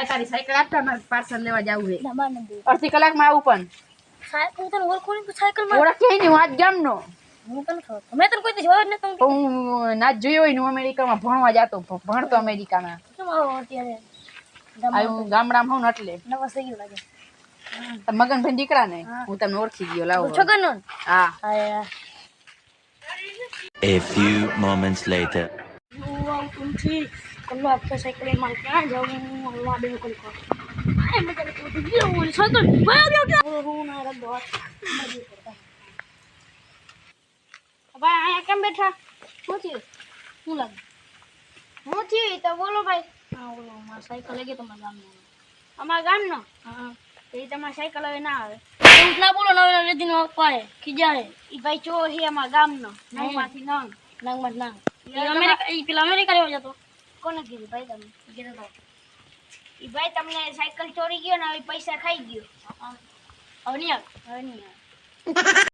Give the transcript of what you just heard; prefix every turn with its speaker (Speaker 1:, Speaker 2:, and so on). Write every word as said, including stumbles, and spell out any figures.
Speaker 1: ભાઈ તારી સાયકલ આપતા મારે પાર્સલ લેવા જાવું છે
Speaker 2: ના માને દે
Speaker 1: અડધી કલાકમાં આવું પણ
Speaker 2: સાયકલ તને ઓળખોની તો સાયકલ માં
Speaker 1: ઓળખે નહીં હું આજ ગામનો
Speaker 2: હું તને ખબર મેં તને કોઈ દી જોયો જ નતો
Speaker 1: તો હું ના જોયો હોય ને હું અમેરિકામાં ભણવા જતો ભણતો અમેરિકામાં
Speaker 2: કેમ આવો અત્યારે
Speaker 1: આ હું ગામડામાં હોઉં ને એટલે
Speaker 2: નવા થઈ ગયું લાગે
Speaker 1: મગનભાઈ દીકરા ને હું તમને ઓળખી ગયો લાવો
Speaker 2: છગન
Speaker 1: હા
Speaker 2: હા
Speaker 3: A few moments later.
Speaker 2: વાવ તુમથી કલ્લો આપતો સાયકલ માં ક્યાં જાઉં હલવા દે કોઈ કો આ મજા લે તો ગયો હું સાયકલ ભાઈ ગયો કે હું ના રદ દો મજી કરતા ભાઈ આયા કેમ બેઠા શું થયું શું લાગે હું થયું તો બોલો ભાઈ હા બોલો મારી સાયકલ લઈ ગઈ તમારા ગામનો અમારા ગામનો હા એ તમારી સાયકલ હવે ના આવે એવું ના બોલો નવે નવે દિન પાડે ખીજાય ઈ ભાઈ ચો હે અમારા ગામનો નંગમાંથી નંગ નંગમાં નંગ ઈ અમેરિકા ઈ પેલા અમેરિકા રહેવા જતો કોને કીધું ભાઈ તમે કીધું તો ઈ ભાઈ તમને સાયકલ ચોરી ગયો ને હવે પૈસા ખાઈ ગયો હવે નહીં આવે હવે નહીં આવે